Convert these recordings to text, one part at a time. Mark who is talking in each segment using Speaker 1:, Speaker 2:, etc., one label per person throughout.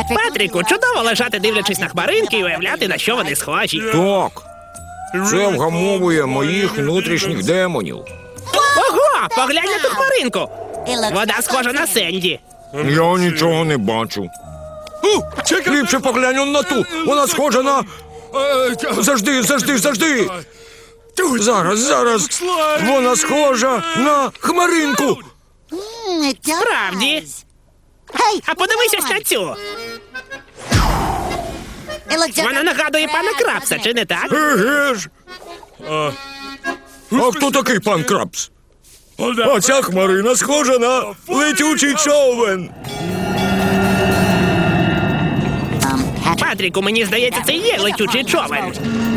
Speaker 1: Патріку, чудово лежати, дивлячись на хмаринки і уявляти, на що вони схожі.
Speaker 2: Так. Це вгамовує моїх внутрішніх демонів.
Speaker 1: Ого, поглянь на ту хмаринку. Вода схожа на Сенді.
Speaker 2: Я нічого не бачу. Ліпше поглянь он на ту. Вона схожа на... Завжди. Зараз. Вона схожа на хмаринку.
Speaker 1: Справді. А подивись ось на цю. Вона нагадує пана Крабса, чи не так?
Speaker 2: Еге ж. А хто такий пан Крабс? А ця хмарина схожа на летючий човен.
Speaker 1: Патріку, мені здається, це і є летючий човен.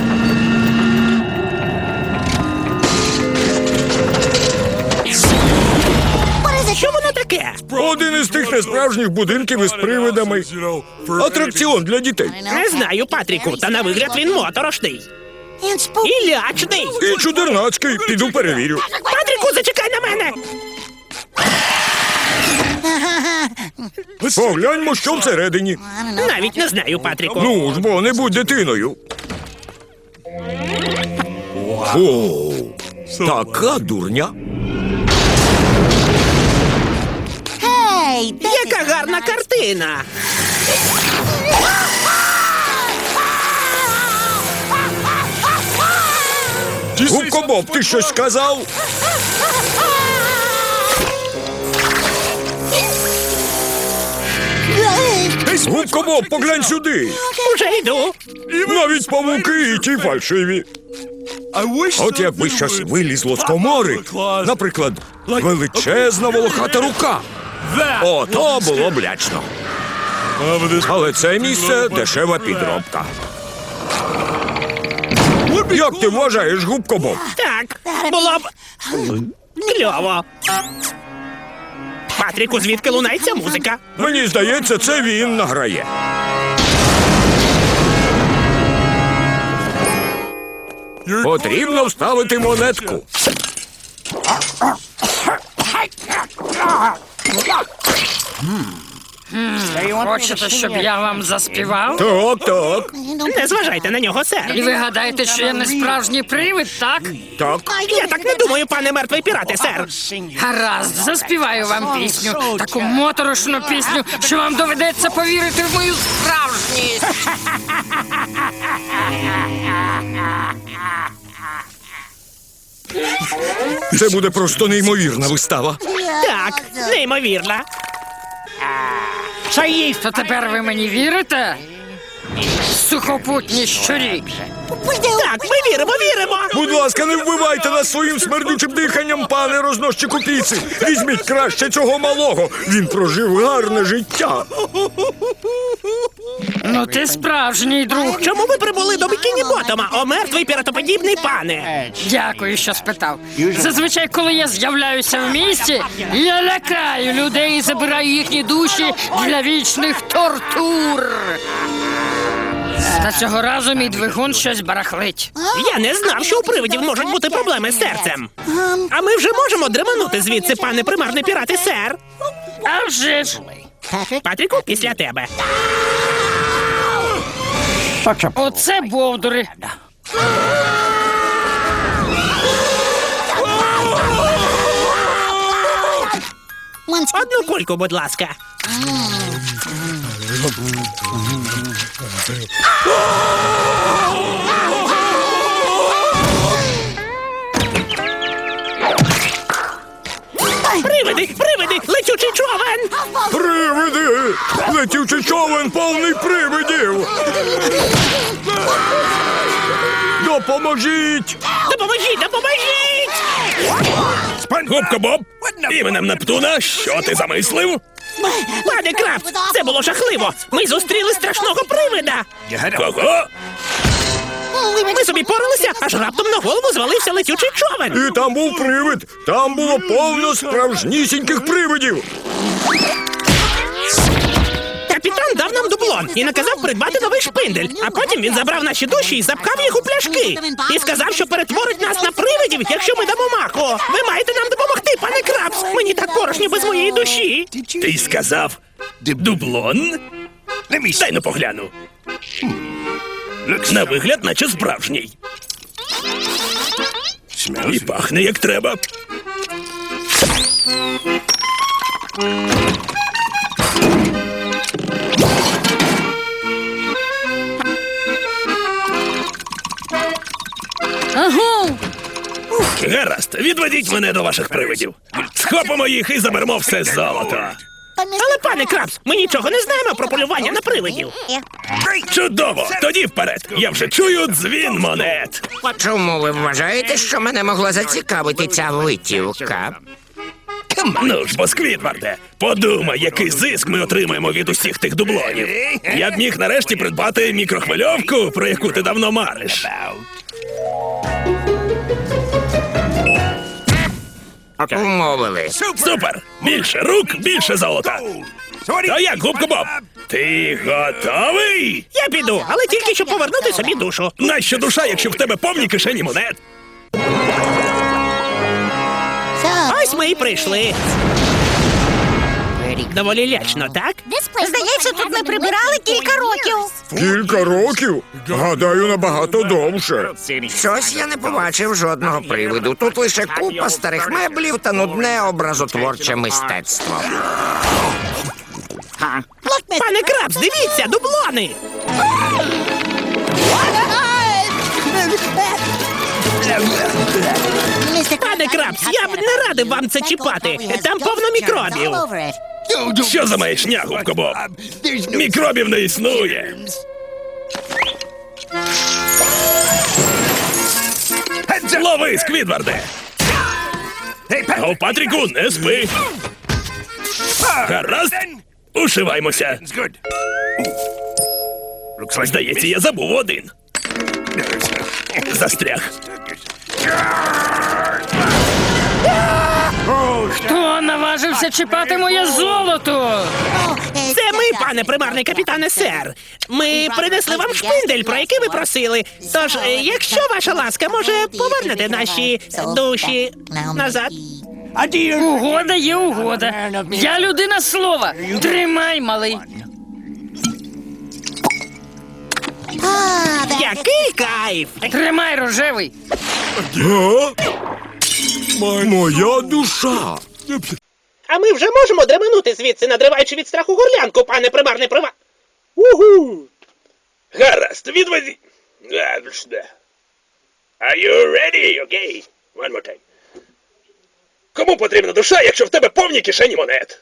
Speaker 1: Що воно таке?
Speaker 2: Один із тих несправжніх будинків із привидами. Атракціон для дітей.
Speaker 1: Не знаю, Патріку, та на вигляд він моторошний. І лячний.
Speaker 2: І чудернацький. Піду перевірю.
Speaker 1: Патріку, зачекай на мене.
Speaker 2: Погляньмо, що всередині.
Speaker 1: Навіть не знаю, Патріку.
Speaker 2: Ну ж, бо не будь дитиною. О, така дурня.
Speaker 1: Яка гарна картина.
Speaker 2: Губко Боб, ти щось сказав? Губко Боб, поглянь сюди.
Speaker 1: Уже йду.
Speaker 2: Навіть павуки і ті фальшиві. От якби щось вилізло з комори, наприклад, величезна волохата рука. Ото було б лячно. Але це місце дешева підробка. Як ти вважаєш, Губко Боб?
Speaker 1: Так, було б кльово. Патріку, звідки лунається музика?
Speaker 2: Мені здається, це він награє. Потрібно вставити монетку.
Speaker 3: Хочете, щоб я вам заспівав?
Speaker 2: Так.
Speaker 1: Не зважайте на нього, сер.
Speaker 3: І ви гадаєте, що я не справжній привид, так?
Speaker 2: Так.
Speaker 1: Я так не думаю, пане мертвий пірате, сер.
Speaker 3: Гаразд, заспіваю вам пісню. Таку моторошну пісню, що вам доведеться повірити в мою справжність.
Speaker 2: Це буде просто неймовірна вистава.
Speaker 1: Так, неймовірно.
Speaker 3: То тепер ви мені вірите? Сухопутні щурі.
Speaker 1: Так, ми віримо.
Speaker 2: Будь ласка, не вбивайте нас своїм смердючим диханням, пане розносчику піци. Візьміть краще цього малого. Він прожив гарне життя.
Speaker 3: Ну ти справжній друг.
Speaker 1: Чому ви прибули до Бікіні Ботома, о мертвий піратоподібний пане?
Speaker 3: Дякую, що спитав. Зазвичай, коли я з'являюся в місті, я лякаю людей і забираю їхні душі для вічних тортур. Та цього разу мій двигун щось барахлить.
Speaker 1: Я не знав, що у привидів можуть бути проблеми з серцем. А ми вже можемо дременути звідси, пане примарний пірати, сер.
Speaker 3: А вже ж.
Speaker 1: Патріку, після тебе.
Speaker 3: Оце бовдури.
Speaker 1: Одну кульку, будь ласка. Привиди, летючий човен!
Speaker 2: Привиди! Летючий човен повний привидів! Допоможіть!
Speaker 1: Допоможіть!
Speaker 4: Губка Боб, іменем Нептуна, що ти замислив?
Speaker 1: Пане Крабс, це було жахливо! Ми зустріли страшного привида!
Speaker 4: Кого?
Speaker 1: Ми собі поралися, аж раптом на голову звалився летючий човен!
Speaker 2: І там був привид! Там було повно справжнісіньких привидів!
Speaker 1: Капітан дав нам дублон і наказав придбати новий шпиндель, а потім він забрав наші душі і запхав їх у пляшки. І сказав, що перетворить нас на привидів, якщо ми дамо маху. Ви маєте нам допомогти, пане Крабс! Мені так порожньо без моєї душі.
Speaker 4: Ти сказав дублон? Дай ну погляну. На вигляд, наче справжній. І пахне як треба.
Speaker 3: Агу!
Speaker 4: Гаразд, відведіть мене до ваших привидів. Схопимо їх і заберемо все золото.
Speaker 1: Але, пане Крабс, ми нічого не знаємо про полювання на привидів.
Speaker 4: Чудово! Тоді вперед! Я вже чую дзвін монет.
Speaker 5: Чому ви вважаєте, що мене могла зацікавити ця витівка?
Speaker 4: Ну ж бо, Сквідварде, подумай, який зиск ми отримаємо від усіх тих дублонів. Я б міг нарешті придбати мікрохвильовку, про яку ти давно мариш.
Speaker 5: Умовились.
Speaker 4: Супер! Більше рук, більше золота. То як, Губко Боб? Ти готовий?
Speaker 1: Я піду, але тільки щоб повернути собі душу.
Speaker 4: Нащо душа, якщо в тебе повні кишені монет?
Speaker 1: Ось ми і прийшли. Доволі лячно, так?
Speaker 6: Здається, тут ми прибирали кілька років.
Speaker 2: Кілька років? Гадаю, набагато довше.
Speaker 5: Щось я не побачив жодного привиду. Тут лише купа старих меблів та нудне образотворче мистецтво.
Speaker 1: Пане Крабс, дивіться, дублони! Пане Крабс, я б не радив вам це чіпати. Там повно мікробів.
Speaker 4: Що за маячня, Губко Боб? Мікробів не існує. Лови, Сквідварде! О, Патріку, не спи! Гаразд, ушиваймося. Здається, я забув один. Застряг.
Speaker 3: Хто наважився чіпати моє золото?
Speaker 1: Це ми, пане примарний капітане сер. Ми принесли вам шпиндель, про який ви просили. Тож, якщо ваша ласка, може, повернете наші душі назад?
Speaker 3: Угода є угода. Я людина слова. Тримай, малий.
Speaker 1: Який кайф!
Speaker 3: Тримай, рожевий.
Speaker 2: Моя душа.
Speaker 1: А ми вже можемо дременути звідси, надриваючи від страху горлянку, пане примарний прива. Угу!
Speaker 4: Гаразд, відведи. Are you ready? Okay. One more time. Кому потрібна душа, якщо в тебе повні кишені монет?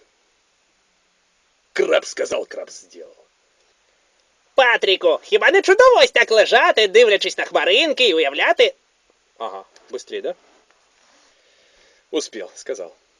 Speaker 4: Краб сказав, краб зробив.
Speaker 1: Патріку, хіба не чудово ось так лежати, дивлячись на хмаринки і уявляти?
Speaker 4: Ага, быстрее, да? Успел, сказал.